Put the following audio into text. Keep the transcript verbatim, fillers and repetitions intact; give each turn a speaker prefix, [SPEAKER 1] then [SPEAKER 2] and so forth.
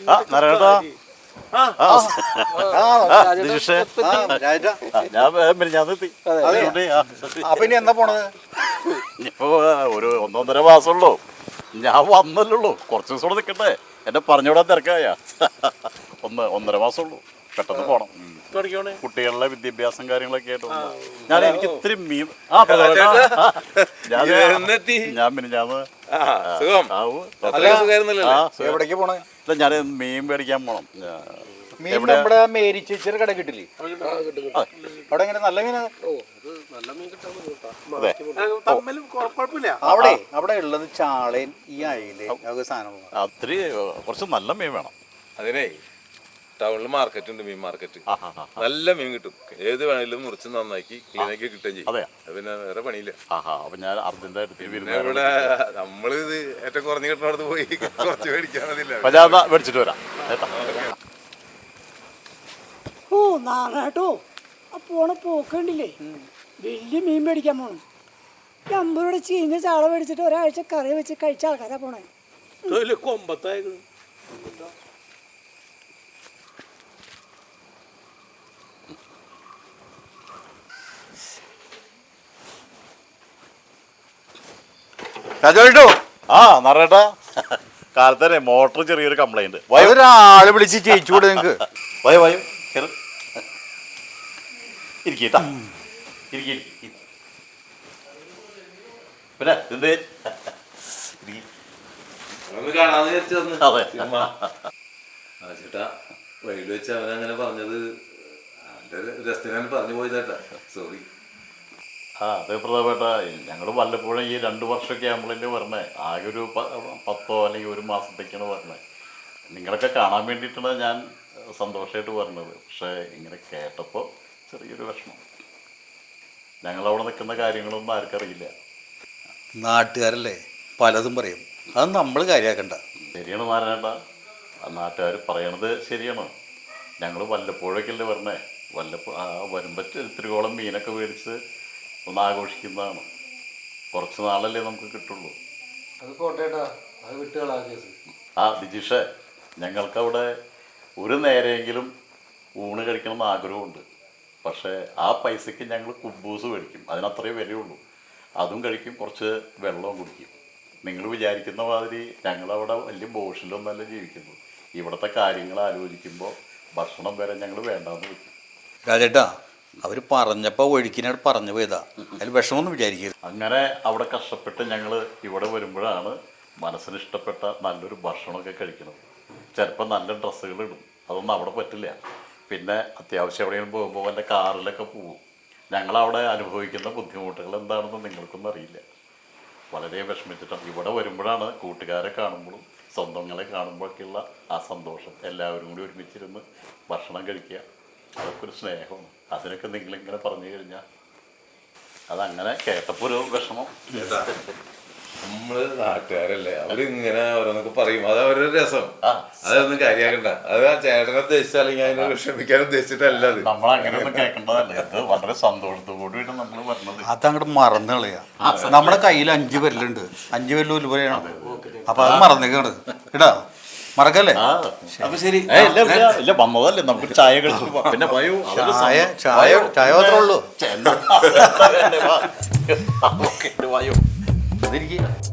[SPEAKER 1] ആ നാരായണേട്ടാ
[SPEAKER 2] അപ്പൊ ഇനി എന്നാ പോണത്?
[SPEAKER 1] ഇപ്പൊ ഒരു ഒന്നൊന്നര മാസമുള്ളൂ. ഞാൻ വന്നല്ലുള്ളൂ, കുറച്ച് ദിവസം കൂടെ നിൽക്കട്ടെ. എന്നെ പറഞ്ഞുവിടാൻ തിരക്കായ ഒന്ന് ഒന്നര മാസമുള്ളൂ. പെട്ടെന്ന് പോണം. കുട്ടികളുടെ വിദ്യാഭ്യാസം കാര്യങ്ങളൊക്കെ ആയിട്ട് ഞാൻ എനിക്ക് ഇത്തിരി മീൻ ആ ഞാൻ ഞാൻ പിന്നെ ഞാൻ
[SPEAKER 2] എവിടേക്ക് പോണേ?
[SPEAKER 1] ഞാൻ മീൻ മേടിക്കാൻ പോണം.
[SPEAKER 2] മീൻ നമ്മുടെ മേരി ചേച്ചിയുടെ കട കിട്ടില്ലേ? അവിടെ എങ്ങനെ നല്ല മീനാ? അവിടെ അവിടെ ഉള്ളത് ചാളയും ഈ അയില സാധനം.
[SPEAKER 1] അത്തിരി കുറച്ച് നല്ല മീൻ വേണം.
[SPEAKER 3] അതിനെ ടൗണിൽ മാർക്കറ്റ് ഉണ്ട്, മീൻ മാർക്കറ്റ്. നല്ല മീൻ കിട്ടും. ഏത് വേണേലും മുറിച്ച് നന്നാക്കി ക്ലീനാക്കി കിട്ടുകയും ചെയ്യും.
[SPEAKER 1] അതെ,
[SPEAKER 3] പിന്നെ വേറെ പണിയില്ല.
[SPEAKER 1] അപ്പൊ ഞാൻ അർജന്റായിട്ട്
[SPEAKER 3] ഇവിടെ നമ്മള് ഇത് ഏറ്റവും കുറഞ്ഞ് കിട്ടുന്നിടത്ത് പോയി കുറച്ച് മേടിക്കാനതില്ല.
[SPEAKER 1] മേടിച്ചിട്ട് വരാം.
[SPEAKER 4] ഓ നാറാട്ടോ, ആ പോണ പോക്കണ്ടില്ലേ, വലിയ മീൻ മേടിക്കാൻ പോണം. അമ്പത് രൂപയുടെ ചീഞ്ഞ ചാള മേടിച്ചിട്ട് ഒരാഴ്ച കറി വെച്ച് കഴിച്ച ആൾക്കാരാ പോണേ.
[SPEAKER 5] കൊമ്പത്തായത്
[SPEAKER 1] ആ നാരായണേട്ടാ, കാലത്തന്നെ മോട്ടർ ചെറിയൊരു കംപ്ലൈന്റ്.
[SPEAKER 2] ഒരാളെ വിളിച്ച് ജയിച്ചുകൂടെ നിങ്ങക്ക്?
[SPEAKER 1] വയോ വയോ ഇരിക്കട്ടാ, പിന്നെ എന്തേ
[SPEAKER 3] കാണാന്ന് വിചാരിച്ചു.
[SPEAKER 1] അതെ
[SPEAKER 3] ചേട്ടാ, വൈകിട്ട് വെച്ച് അവനങ്ങനെ പറഞ്ഞത് രസത്തിനാണ് പറഞ്ഞു പോയതേട്ടാ. സോറി.
[SPEAKER 1] ആ അതെ പ്രതാപേട്ട, ഞങ്ങൾ വല്ലപ്പോഴും ഈ രണ്ട് വർഷമൊക്കെ ആകുമ്പോഴല്ലേ പറഞ്ഞേ. ആകെ ഒരു പത്തോ അല്ലെങ്കിൽ ഒരു മാസത്തേക്കാണ് പറഞ്ഞത്. നിങ്ങളൊക്കെ കാണാൻ വേണ്ടിയിട്ടാണ് ഞാൻ സന്തോഷമായിട്ട് പറഞ്ഞത്. പക്ഷേ ഇങ്ങനെ കേട്ടപ്പോൾ ചെറിയൊരു വിഷമം. ഞങ്ങളവിടെ നിൽക്കുന്ന കാര്യങ്ങളൊന്നും ആർക്കറിയില്ല.
[SPEAKER 2] നാട്ടുകാരല്ലേ പലതും പറയും, അത് നമ്മൾ കാര്യമാക്കണ്ട.
[SPEAKER 1] ശരിയാണ് നാരായണേട്ടാ, നാട്ടുകാർ പറയണത് ശരിയാണ്. ഞങ്ങൾ വല്ലപ്പോഴൊക്കെയല്ലേ പറഞ്ഞേ. വല്ലപ്പോ ആ വരുമ്പോൾ ഇത്തിരിയോളം മീനൊക്കെ മേടിച്ച് ഒന്ന് ആഘോഷിക്കുന്നതാണ്. കുറച്ച് നാളല്ലേ നമുക്ക് കിട്ടുള്ളൂ.
[SPEAKER 5] അത് പോട്ടേട്ടാ, അത് വിട്ടുകളാ കേസ്.
[SPEAKER 1] ആ ദിജീഷേ, ഞങ്ങൾക്കവിടെ ഒരു നേരെയെങ്കിലും ഊണ് കഴിക്കണമെന്ന് ആഗ്രഹമുണ്ട്. പക്ഷേ ആ പൈസയ്ക്ക് ഞങ്ങൾ കുബൂസ് മേടിക്കും, അതിനത്രേ വിലയുള്ളൂ. അതും കഴിക്കും, കുറച്ച് വെള്ളവും കുടിക്കും. നിങ്ങൾ വിചാരിക്കുന്ന മാതിരി ഞങ്ങളവിടെ വലിയ ബോഷിലൊന്നല്ല ജീവിക്കുന്നു. ഇവിടുത്തെ കാര്യങ്ങൾ ആലോചിക്കുമ്പോൾ ഭക്ഷണം വരെ ഞങ്ങൾ വേണ്ടാന്ന് വയ്ക്കും.
[SPEAKER 2] രാജേട്ടാ, അവർ പറഞ്ഞപ്പോൾ ഒഴുക്കിനായിട്ട് പറഞ്ഞു പോയതാ, അതിൽ വിഷമമൊന്നും വിചാരിക്കരുത്.
[SPEAKER 1] അങ്ങനെ അവിടെ കഷ്ടപ്പെട്ട് ഞങ്ങൾ ഇവിടെ വരുമ്പോഴാണ് മനസ്സിന് ഇഷ്ടപ്പെട്ട നല്ലൊരു ഭക്ഷണമൊക്കെ കഴിക്കുന്നത്. ചിലപ്പോൾ നല്ല ഡ്രസ്സുകൾ ഇടും, അതൊന്നും അവിടെ പറ്റില്ല. പിന്നെ അത്യാവശ്യം എവിടെയെങ്കിലും പോകുമ്പോൾ വല്ല കാറിലൊക്കെ പോകും. ഞങ്ങളവിടെ അനുഭവിക്കുന്ന ബുദ്ധിമുട്ടുകൾ എന്താണെന്ന് നിങ്ങൾക്കൊന്നും അറിയില്ല. വളരെ വിഷമിച്ചിട്ടാണ് ഇവിടെ വരുമ്പോഴാണ് കൂട്ടുകാരെ കാണുമ്പോഴും സ്വന്തങ്ങളെ കാണുമ്പോഴൊക്കെയുള്ള ആ സന്തോഷം. എല്ലാവരും കൂടി ഒരുമിച്ചിരുന്ന് ഭക്ഷണം കഴിക്കുക, അതൊക്കെ ഒരു സ്നേഹമാണ്. അതിനൊക്കെ നിങ്ങളിങ്ങനെ പറഞ്ഞു കഴിഞ്ഞാൽ അതങ്ങനെ കേട്ടപ്പോൾ ഒരു വിഷമം.
[SPEAKER 3] നമ്മള് നാട്ടുകാരല്ലേ, അവരിങ്ങനെ ഓരോന്നൊക്കെ പറയും, അത് അവരൊരു രസം. അതൊന്നും കാര്യമാക്കണ്ട. അത് ആ ചേട്ടനെ ഉദ്ദേശിച്ചാൽ അല്ലെങ്കിൽ അതിനെ വിഷമിക്കാൻ ഉദ്ദേശിച്ചിട്ടല്ല. അത്
[SPEAKER 1] നമ്മളങ്ങനെയൊന്നും കേൾക്കേണ്ടതല്ലേ. അത് വളരെ സന്തോഷത്തോടുകൂടിയാണ് നമ്മൾ പറഞ്ഞത്.
[SPEAKER 2] അതങ്ങോട്ട് മറന്നു കളയാ. നമ്മുടെ കയ്യിൽ അഞ്ച് പേരിലുണ്ട്, അഞ്ച് പേരിൽ ഉൽപ്പന്നമാണ്. അപ്പൊ അത് മറന്നേക്കാണ് ഇടാ, മറക്കല്ലേ?
[SPEAKER 3] അപ്പൊ ശരി.
[SPEAKER 1] ഇല്ല, വന്നതല്ലേ, നമുക്ക് ചായ കഴിച്ചു. പിന്നെ
[SPEAKER 2] ചായ ചായ ചായ മാത്രമേ ഉള്ളൂ.
[SPEAKER 1] വായോ.